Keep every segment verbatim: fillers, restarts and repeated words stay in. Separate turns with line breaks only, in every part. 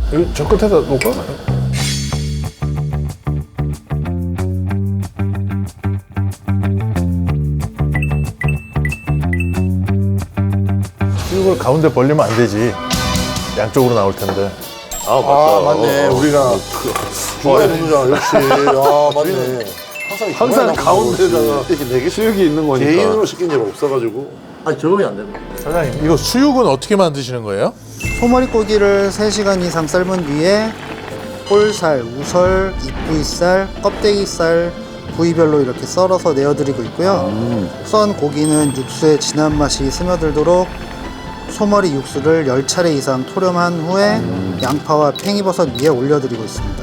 이거 저 끝에다 놓을까? 이걸 가운데 벌리면 안 되지. 양쪽으로 나올 텐데.
아, 맞다.
아 맞네.
어,
우리가 중간에 놓는잖아. 역시. 아 맞네. 항상,
항상 가운데다가
이렇게 네 개
수육이 있는 거니까.
개인으로 시킨 적 없어가지고. 아니 적응이 안 되는 거야.
사장님, 이거 수육은 어떻게 만드시는 거예요?
소머리고기를 세 시간 이상 삶은 뒤에 볼살, 우설, 입부위살, 껍데기살 부위별로 이렇게 썰어서 내어드리고 있고요. 썬 고기는 육수에 진한 맛이 스며들도록 소머리 육수를 열 차례 이상 토렴한 후에 양파와 팽이버섯 위에 올려드리고 있습니다.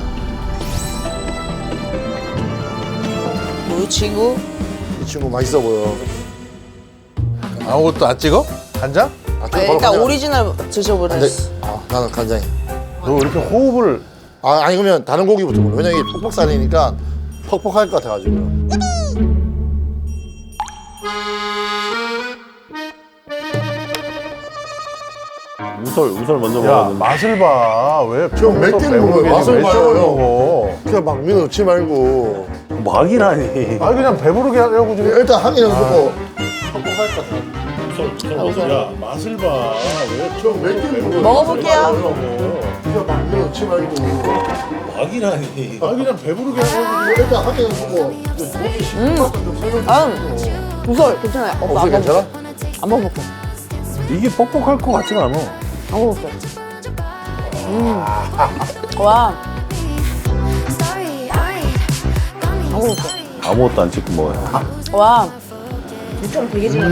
이 친구
이 친구 맛있어 보여.
아무것도 안 찍어? 간장?
아,
아, 일단 오리지널 드셔보래.
근데 아 나는 간장이.
너 왜 이렇게 호흡을.
아 아니 그러면 다른 고기부터 먹어. 왜냐면 이게 퍽퍽살이니까 퍽퍽할 것 같아가지고.
우설, 우설 먼저
야,
먹었는데.
맛을 봐. 왜?
좀 맵게 먹어요. 맛을 봐요.
먹어.
그냥 막 밀어 넣지 말고.
막이라니.
아, 그냥 배부르게 하려고 지금.
일단 한 개는 먹고 퍽퍽할 것 같아.
야, 맛을 봐. 왜?
좀 맵게 먹어요.
먹어볼게요.
그냥 막 밀어 넣지 말고.
막이라니.
아, 그냥 배부르게 하려고.
일단 한 개는 먹고.
음, 우설 괜찮아요. 어,
혹시
안
괜찮아?
먹을게. 안 먹을게.
이게 뻑뻑할 것 같지가 않아.
안 먹을게. 음, 와, 안 먹을게.
아무것도 안 찍고 먹어요.
와, 육점 되게 진하다.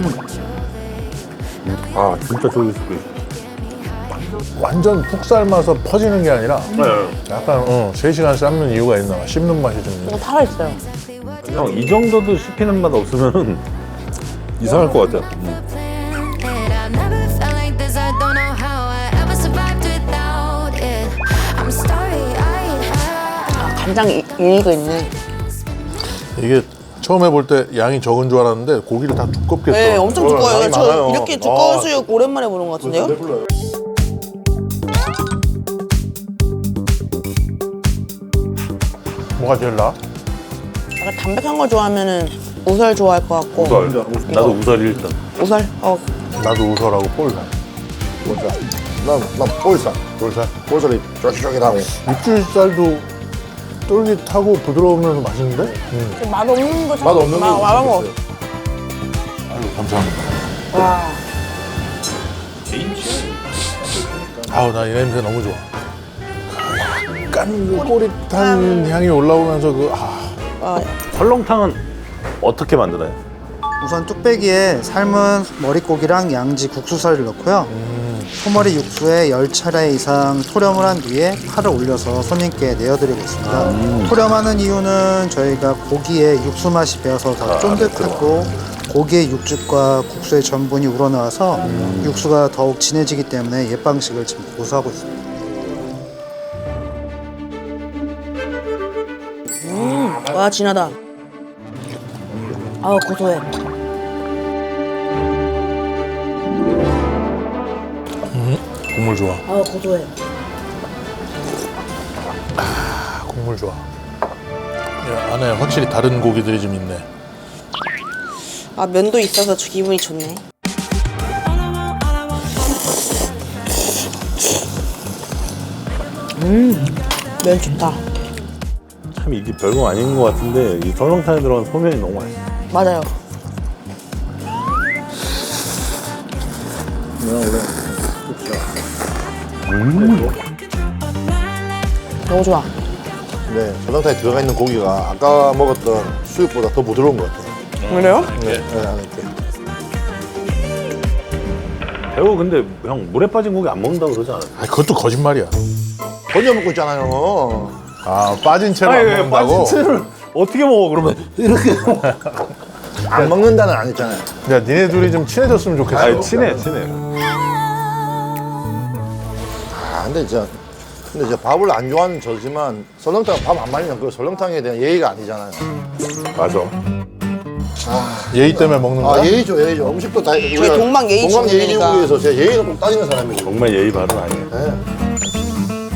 아, 진짜 쫄깃쫄깃.
완전 푹 삶아서 퍼지는 게 아니라
네.
약간 어, 세 시간 삶는 이유가 있나 봐. 씹는 맛이 좀 있네.
이거 살아있어요.
형, 이 정도도 씹히는 맛 없으면 이상할 것 같아요. 음.
아, 간장 이- 일리가 있네.
이게 처음에 볼 때 양이 적은 줄 알았는데 고기를 다 두껍게 써.
네, 엄청 두꺼워요.
양이
저
많아요.
이렇게 두꺼운
아.
수육 오랜만에 보는 것 같은데요?
배불러요.
뭐가 제일 나?
약간 담백한 거 좋아하면은 우설 좋아할 것 같고.
우설. 나도 우설 일단.
우설? 어,
나도 우설하고 볼살.
볼살. 난, 난 볼살.
볼살.
볼살이 쫄깃쫄깃하고.
육질살도 쫄깃하고 부드러우면서 맛있는데? 음.
맛없는 거 참.
맛 없는 거.
말아먹어.
있어요.
아유, 감사합니다.
와.
아우, 나 이 냄새 너무 좋아. 그 약간 그 꼬릿한 향이 올라오면서 그, 아.
아,
설렁탕은 어떻게 만드나요?
우선 뚝배기에 삶은 머릿고기랑 양지 국수살을 넣고요. 소머리 육수에 열 차례 이상 토렴을 한 뒤에 파를 올려서 손님께 내어드리고 있습니다. 토렴하는 이유는 저희가 고기에 육수 맛이 배어서 더 쫀득하고 고기의 육즙과 국수의 전분이 우러나와서 육수가 더욱 진해지기 때문에 옛 방식을 지금 고수하고 있습니다.
와, 진하다. 아, 고소해.
국물 좋아.
아, 고소해.
아, 국물 좋아. 야, 안에 확실히 다른 고기들이 좀 있네.
아, 면도 있어서 저 기분이 좋네. 음, 면 좋다.
참 이게 별거 아닌 것 같은데 이 설렁탕에 들어간 소면이 너무 맛있어.
맞아요. 너무 좋아.
네, 설렁탕에 들어가 있는 고기가 아까 먹었던 수육보다 더 부드러운 것 같아요.
그래요?
네, 네, 안에 이렇게.
배우 근데 형 물에 빠진 고기 안 먹는다고 그러지 않아요?
아, 그것도 거짓말이야.
건져 먹고 있잖아요.
아, 빠진 채로 안 먹는다고?
채를 어떻게 먹어 그러면? 이렇게.
안 먹는다는 안 했잖아요.
야, 니네 둘이 좀 친해졌으면 좋겠어.
아니 친해 친해.
아, 근데 진짜, 근데 진짜 밥을 안 좋아하는 저지만 설렁탕 밥 안 말리면 그 설렁탕에 대한 예의가 아니잖아요.
맞아.
예의 때문에 먹는 거야?
아, 예의죠, 예의죠. 음식도 다. 우리가
동방 예의
동방 예의
지국이니까.
지국에서 제가 예의는 꼭 따지는 사람이고.
정말 예의 바른 아니에요.
네.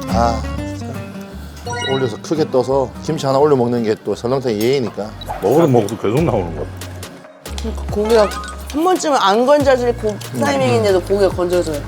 아 진짜. 올려서 크게 떠서 김치 하나 올려 먹는 게 또 설렁탕 예의니까.
먹어도 먹어도 계속 나오는 것 같아.
그러니까 고기가 한 번쯤은 안 건져질 고 타이밍인데도 고기가 건져져요.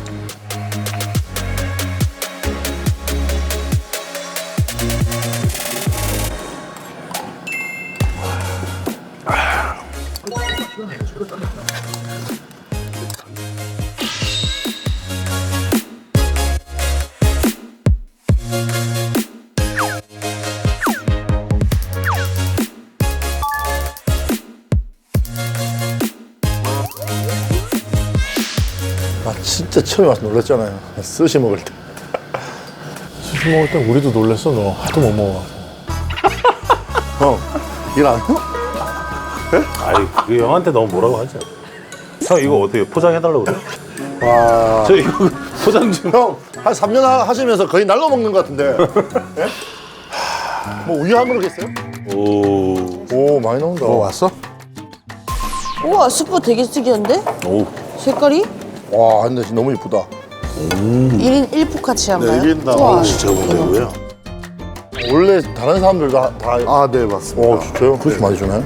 아 진짜 처음에 와서 놀랐잖아요. 스시 먹을 때.
수시 먹을 땐 우리도 놀랬어. 너 하도 못 먹어.
형, 일 안 해요?
아이 그 형한테 너무 뭐라고 하지. 형 이거 어떻게 포장해달라고 그래?
와.
저 이거 포장 좀.
형, 한 삼 년 하시면서 거의 날로 먹는 것 같은데. 예? 뭐 우유 한 그릇겠어요?
오.
오, 많이 나온다.
뭐 왔어?
우와 스프 되게 특이한데?
오.
색깔이?
와, 근데 진짜 너무 이쁘다.
일 인 일 포카치한가요?
네, 일 인당.
우와,
진짜
대박.
원래 다른 사람들 다, 다.
아, 네, 맞습니다.
어, 진짜요? 그렇게 많이 주나요?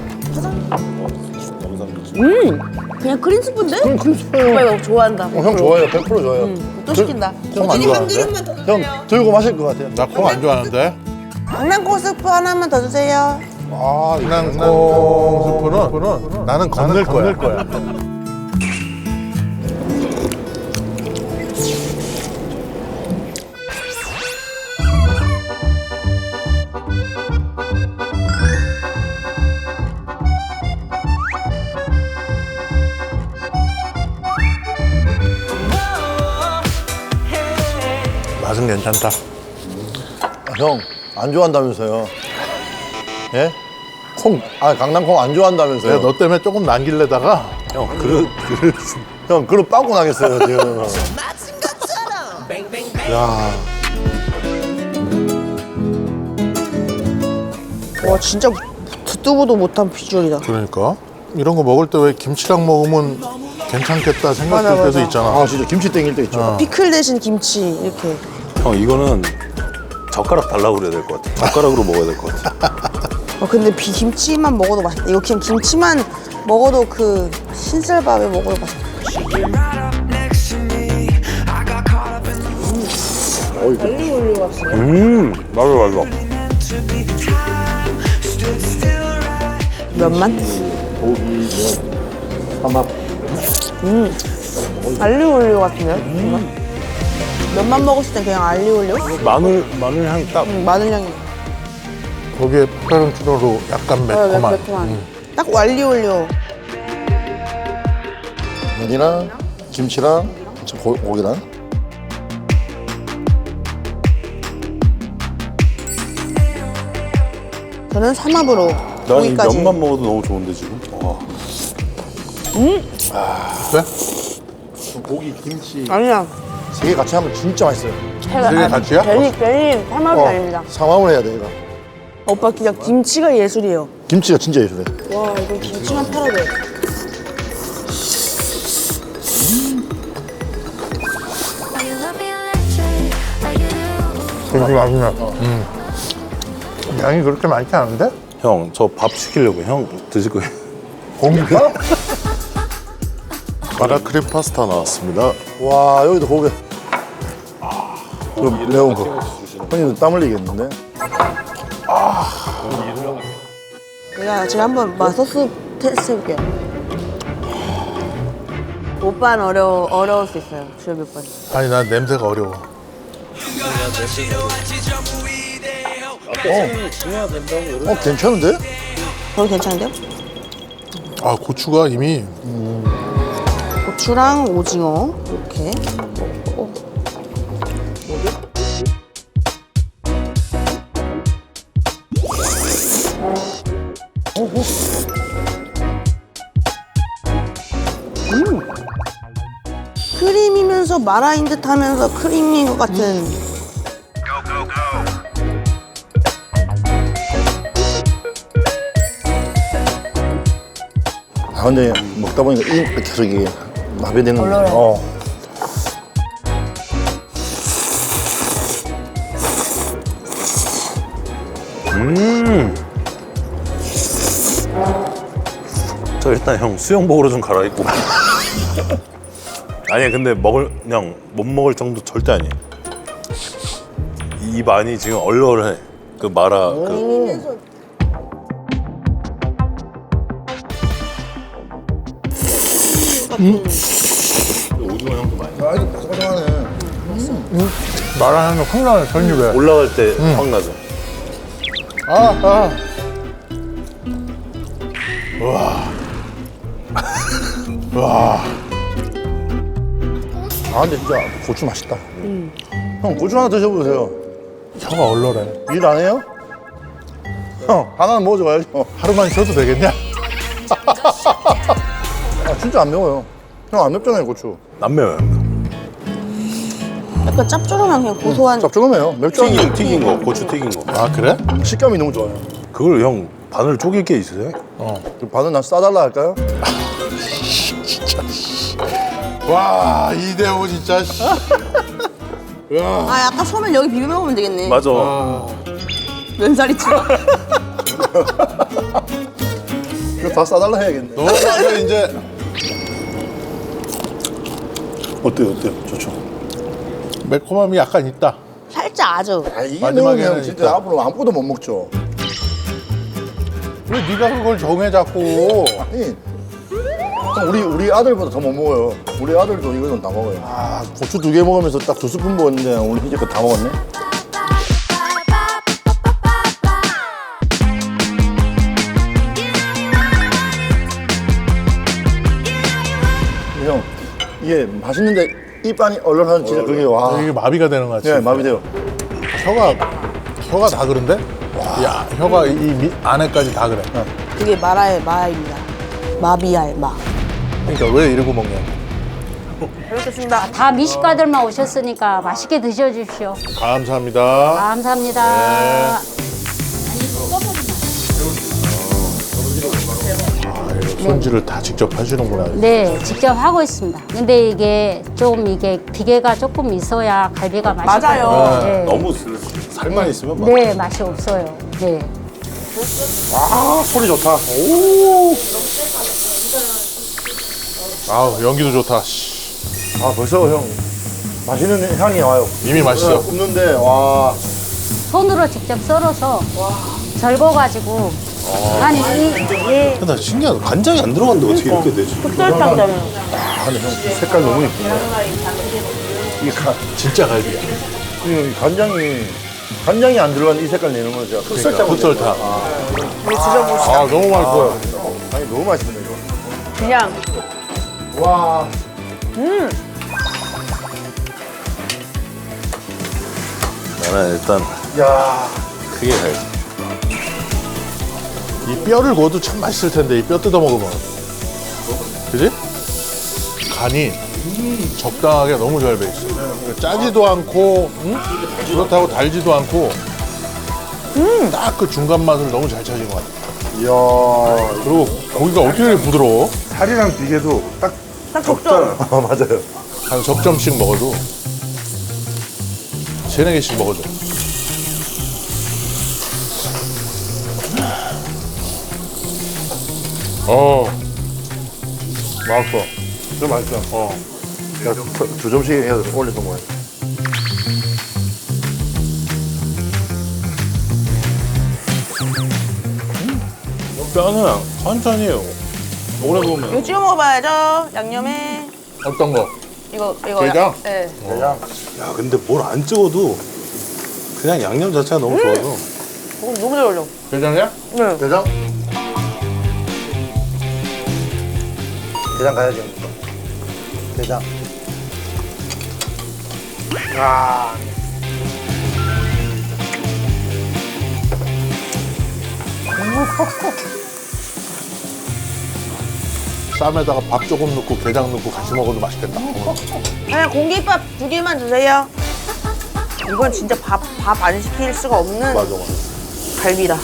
음, 그냥 크림 스프인데?
그럼 크리스파요.
오빠 이거 좋아한다.
어, 형 좋아해요. 백 퍼센트 좋아해요.
또 시킨다.
콩안 좋아하는데? 형, 들고 마실 것 같아요.
나 콩 안 좋아하는데.
강낭콩 스프 하나만 더 주세요.
아, 강낭콩 스프는 나는 건널 거야. 거야. 맛은 괜찮다.
아, 형, 안 좋아한다면서요. 예? 콩, 아, 강낭콩 안 좋아한다면서요.
내가 너 때문에 조금 남길래다가
형 그릇 그릇.
형, 그럼 빵꾸 나겠어요, 지금.
야,
와 진짜 듣도 보도 못한 비주얼이다.
그러니까 이런 거 먹을 때 왜 김치랑 먹으면 괜찮겠다 생각할
맞아,
때도
맞아.
있잖아.
아, 진짜 김치 땡길 때 있죠.
피클 대신 김치 이렇게.
형 이거는 젓가락 달라고 그래야 될 것 같아. 젓가락으로 먹어야 될 것 같아.
어, 근데 비 김치만 먹어도 맛있다. 이거 그냥 김치만 먹어도 그 신쌀밥에 먹어도 맛있다. 달리 올려왔어요.
음 맞아 맞아.
면만?
고기, 삼합.
알리오 올리오 같은데요? 음. 면만 먹었을 땐 그냥 알리오 올리오?
마늘 마늘 향이 딱.
음, 마늘 향이.
거기에 페페론치노로 약간 매콤한.
어, 매콤한. 딱 알리오 올리오.
면이랑 김치랑 저 고, 고기랑.
저는 삼합으로
난 이
고기까지.
면만 먹어도 너무 좋은데 지금. 와.
그래?
고기, 김치.
아니야.
세 개 같이 하면 진짜 맛있어요.
제가
되게 같이야?
괜히 괜히 삼합이 아닙니다.
상황을 해야 돼, 이거.
오빠 그냥 김치가 예술이에요.
김치가 진짜 예술해.
와 이거 김치만 팔아도 돼.
김치 맛있네. 음. 양이 그렇게 많지 않은데?
형 저 밥 시키려고 형 드실 거예요?
고기가?
마라크림 파스타 나왔습니다.
와, 여기도 고기. 이거 매운 거. 형님도 땀 흘리겠는데?
제가 제가 한번 마 소스 테스트 해볼게요. 오빠는 어려 어려울 수 있어요. 주엽이 오빠.
아니 난 냄새가 어려워.
어, 괜찮은데?
거기 괜찮은데요?
아 고추가 이미
고추랑 오징어 이렇게. 어. 음. 크림이면서 마라인 듯하면서 크림인 것 같은.
아, 근데 먹다 보니까 이 계속 이게 마비되는 거.
얼얼해.
어.
음. 저 일단 형 수영복으로 좀 갈아입고. 아니 근데 먹을 그냥 못 먹을 정도 절대 아니에요. 입 안이 지금 얼얼해. 그 마라 그 오징어 향도 많이.
아, 이거 바삭바삭하네.
말하는 확 나네, 전입에.
올라갈 때 확 나죠.
아, 아.
아, 근데 진짜 고추 맛있다. 형, 고추 하나 드셔보세요.
혀가 얼얼해.
일 안 해요? 형, 하나는 먹어줘야죠.
하루만 쉬어도 되겠냐?
아, 진짜 안 매워요. 형, 안 맵잖아요, 고추.
안 매워요.
약간 짭조름한 그냥 고소한.
짭조름해요. 맵지 않아요.
튀긴 튀긴 거, 고추 튀긴 거.
아, 그래?
식감이 너무 좋아요.
그걸 형 바늘 쪼갤 게 있으세요?
그 반은 난 싸달라 할까요?
와, 이대호 진짜. 씨.
아 약간 소면 여기 비벼 먹으면 되겠네.
맞아.
면사리처럼.
이거 다 싸달라 해야겠네.
너 이제 이제
어때요, 어때요? 좋죠.
매콤함이 약간 있다.
살짝 아주.
아, 이게
마지막에는
매우면 진짜
있다.
앞으로 아무것도 못 먹죠.
왜 네가 그걸 정해 자꾸?
아니, 형, 우리 우리 아들보다 더 못 먹어요. 우리 아들도 이거는 다 먹어요. 아, 고추 두 개 먹으면서 딱 두 스푼 먹었는데 오늘 이제껏 다 먹었네. 형, 이게 맛있는데 입 안이 얼얼한 진짜 그게 와.
이게 마비가 되는 거 같지?
네, 마비돼요.
혀가 혀가 다 그런데? 야, 혀가 이 밑 안에까지 다 그래.
그게 마라의 마입니다. 마비알 마.
그러니까 왜 이러고 먹냐?
잘 먹겠습니다.
다 미식가들만 오셨으니까 맛있게 드셔주십시오.
감사합니다.
감사합니다.
손질을 다 직접 하시는구나.
네, 직접 하고 있습니다. 근데 이게 좀 이게 비계가 조금 있어야 갈비가 맛있거든요.
맞아요.
네.
너무 살만 있으면 막
네, 맛이 없어요. 네.
아, 소리 좋다.
아우, 연기도 좋다. 씨.
아, 벌써 형 맛있는 향이 와요.
이미 맛있어.
굽는데 와.
손으로 직접 썰어서 절거가지고 한 이, 예,
나 신기하다. 간장이 안 들어갔는데 어떻게 이렇게 되지?
흑설탕잖아요.
아, 근데 형 색깔 너무 이쁘네. 이게 가,
진짜 갈비야.
이 간장이 간장이 안 들어간 이 색깔 내는 거죠. 흑설탕.
흑설탕.
우리 드셔보시죠.
아, 너무 맛있어요.
아니 너무 맛있네 이거.
그냥
와.
나는 일단
야.
크게 가야지.
이 뼈를 구워도 참 맛있을 텐데, 이 뼈 뜯어 먹으면. 그지? 간이 적당하게 너무 잘 배 있어. 짜지도 않고, 응? 그렇다고 달지도 않고, 딱 그 중간 맛을 너무 잘 찾은 것 같아.
이야.
그리고 고기가 어떻게 이렇게 부드러워?
살이랑 비계도 딱
딱 적절.
아, 맞아요.
한 석 점씩 먹어도 세네 개씩 먹어도. 어,
맛있어. 좀 맛있어. 어. 야, 두, 두 점씩 해서 올려서 먹어야 돼.
뼈는 천천히 오래 구우면
이거 찍어 먹어봐야죠. 양념에
어떤 거?
이거 이거.
게장?
네.
대장.
야 근데 뭘 안 찍어도 그냥 양념 자체가 너무 좋아서
어, 너무 잘 어울려.
게장이야?
네.
대장. 대장 가야죠. 대장. 아.
쌈에다가 밥 조금 넣고 게장 넣고 같이 먹어도 맛있겠다.
그냥 공깃밥 두 개만 주세요. 이건 진짜 밥 밥 안 시킬 수가 없는
맞아, 맞아.
갈비다.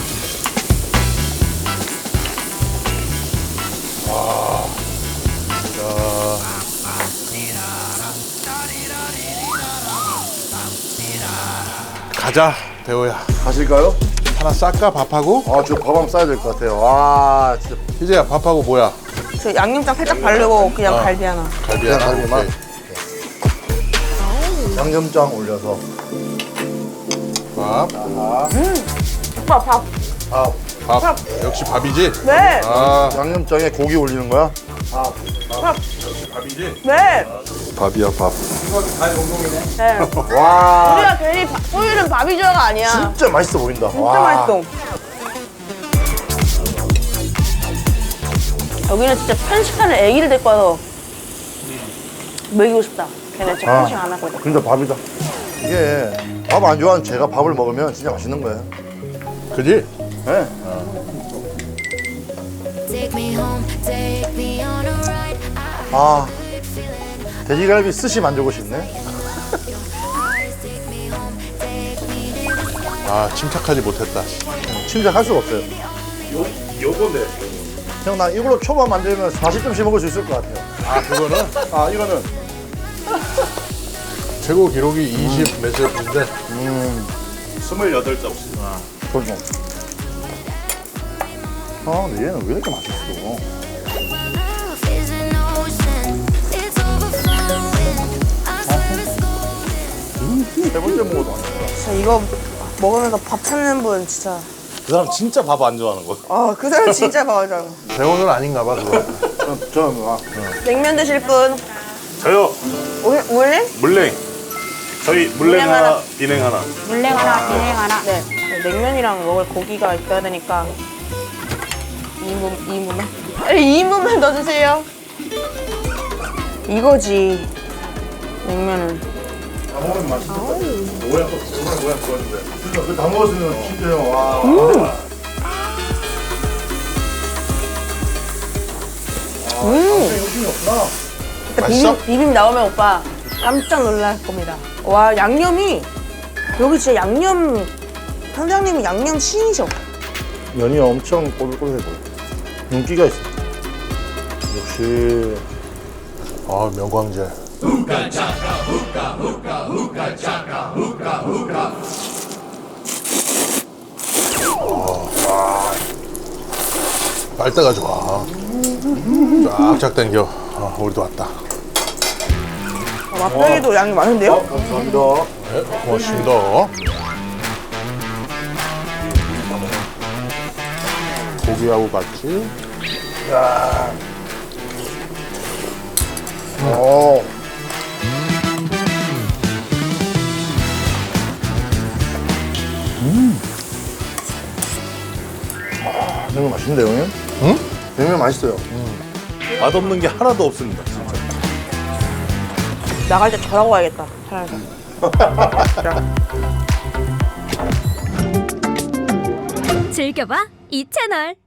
가자, 대호야.
가실까요?
하나 쌀까 밥하고?
아, 저 밥 한번 싸야 될 것 같아요. 와, 진짜.
희재야 밥하고 뭐야?
저 양념장 살짝 바르고 그냥 갈비 하나.
갈비 하나.
갈비만?
오케이.
양념장 올려서.
밥.
오빠 밥.
아,
밥. 역시 밥이지?
네.
아
양념장에 고기 올리는 거야?
밥이지?
네.
밥이야, 밥.
네.
와,
우리가 괜히 밥- 소율은 밥이죠가 아니야.
진짜 맛있어 보인다.
진짜
와.
맛있어. 여기는 진짜 편식하는 애기를 데리고 와서 먹이고 싶다. 걔네 진짜
아.
편식 안 하고 있다.
근데 밥이다. 이게 밥 안 좋아하는 제가 밥을 먹으면 진짜 맛있는 거예요.
그지?
네.
Take me home, take me on a ride.
아, 돼지갈비 스시 만들고 싶네.
Eyes take me home, take me to the sky.
아 침착하지 못했다.
침착할 수가 없어요.
요 요건데.
형, 나 이걸로 초밥 만들면 사십 점씩 먹을 수 있을 것 같아요.
아 그거는
아, 이거는
최고 기록이 이십 몇 점인데
스물여덟 점씩.
그렇죠. 아, 근데 얘는 왜 이렇게 맛있어?
Love is an ocean, it's overflowing. I service golden.
세 번째 먹어도 안 돼.
진짜 이거 먹으면서 밥 찾는 분 진짜.
그 사람 진짜 밥 안 좋아하는 거.
아, 그 사람 진짜 밥이잖아.
대원은 아닌가 봐 그거.
저는, 저는 아,
냉면 드실 분.
저요
올- 올래?
물냉. 저희 물냉
물냉
하나,
하나.
비냉 하나.
물냉 하나, 비냉 하나.
네. 냉면이랑 먹을 고기가 있어야 되니까 이 인분, 이 인분만? 이 인분만 넣어주세요. 이거지. 냉면은.
다 먹으면 맛있겠다. 모양, 정말 모양 좋았는데. 그다 먹었으면 진짜 형, 와.
음.
욕심이 없구나.
일단
맛있어?
비빔, 비빔 나오면 오빠 깜짝 놀랄 겁니다. 와, 양념이 여기 진짜 양념 선장님이 양념 신이셔.
면이 엄청 꼬들꼬들해 보여. 윤기가 있어. 역시.
아 명광재. 빨대가 좋아. 쫙쫙 당겨. 아, 우리도 왔다.
아, 맛배기도 양이 많은데요?
감사합니다.
네, 고맙습니다. 고기하고 같이.
어. 아, 냉면 맛있는데, 형님?
응?
냉면 맛있어요.
맛없는 게 하나도 없습니다. 진짜.
나갈 때 저라고 가야겠다. 차라리.
즐겨봐 이 채널.